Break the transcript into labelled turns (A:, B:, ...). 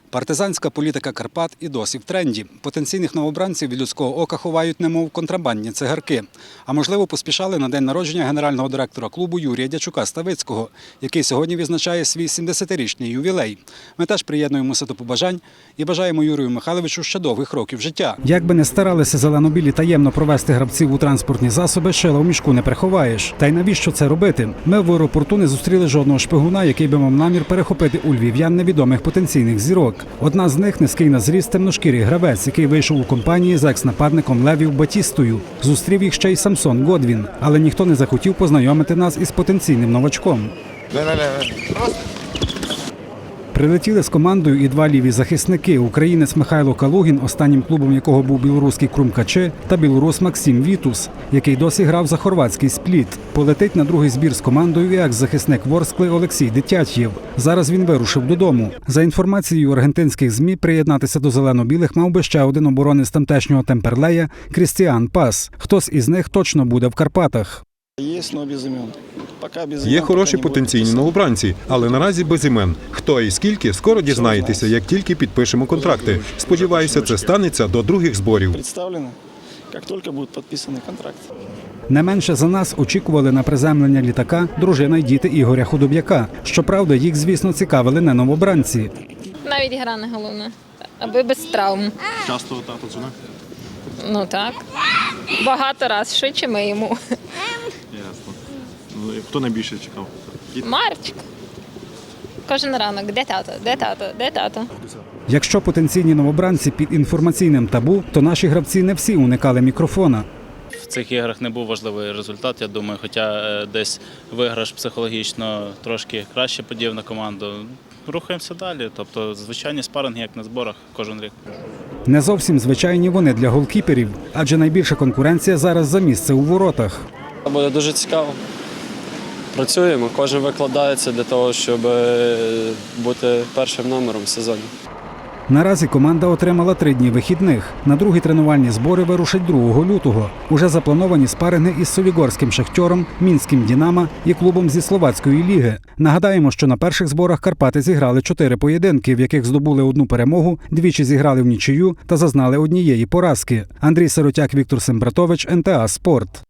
A: Партизанська політика Карпат і досі в тренді. Потенційних новобранців від людського ока ховають немов контрабандні цигарки. А можливо, поспішали на день народження генерального директора клубу Юрія Дячука-Ставицького, який сьогодні відзначає свій 70-річний ювілей. Ми теж приєднуємося до побажань і бажаємо Юрію Михайловичу ще довгих років життя. Як би не старалися зелено-білі таємно провести гравців у транспортні засоби, шила в мішку не приховаєш. Та й навіщо це робити? Ми в аеропорту не зустріли жодного шпигуна, який би мав намір перехопити у львів'ян невідомих потенційних зірок. Одна з них – низький на зріст темношкірий гравець, який вийшов у компанії з екс-нападником Левів Батістою. Зустрів їх ще й Самсон Годвін. Але ніхто не захотів познайомити нас із потенційним новачком. Прилетіли з командою і два ліві захисники – українець Михайло Калугін, останнім клубом якого був білоруський Крумкаче, та білорус Максим Вітус, який досі грав за хорватський Спліт. Полетить на другий збір з командою і екс-захисник Ворскли Олексій Дитятєв. Зараз він вирушив додому. За інформацією аргентинських ЗМІ, приєднатися до зелено-білих мав би ще один оборонець тамтешнього Темперлея – Крістіан Пас. Хтось із них точно буде в Карпатах.
B: Є хороші потенційні новобранці, але наразі без імен. Хто і скільки, скоро дізнаєтеся, як тільки підпишемо контракти. Сподіваюся, це станеться до других зборів.
C: Як тільки буде підписаний контракт.
A: Не менше за нас очікували на приземлення літака дружина й діти Ігоря Худоб'яка. Щоправда, їх, звісно, цікавили не новобранці.
D: Навіть гра не головне, аби без травм.
E: Часто тато дзвонив?
D: Ну так. Багато раз, швидше ми йому.
E: Ясно. Ну, хто найбільше чекав?
D: Марчик. Кожен ранок, де тато, де тато, де тато.
A: Якщо потенційні новобранці під інформаційним табу, то наші гравці не всі уникали мікрофона.
F: В цих іграх не був важливий результат, я думаю, хоча десь виграш психологічно трошки краще подів на команду. Рухаємося далі, тобто звичайні спаринги, як на зборах, кожен рік.
A: Не зовсім звичайні вони для голкіперів, адже найбільша конкуренція зараз за місце у воротах.
G: Буде дуже цікаво. Працюємо, кожен викладається для того, щоб бути першим номером в сезоні.
A: Наразі команда отримала 3 дні вихідних. На другі тренувальні збори вирушать 2 лютого. Уже заплановані спаринги із Солігорським Шахтьором, Мінським Динамо і клубом зі Словацької ліги. Нагадаємо, що на перших зборах Карпати зіграли 4 поєдинки, в яких здобули 1 перемогу, двічі зіграли в нічию та зазнали 1 поразки. Андрій Сиротяк, Віктор Сембратович, НТА Спорт.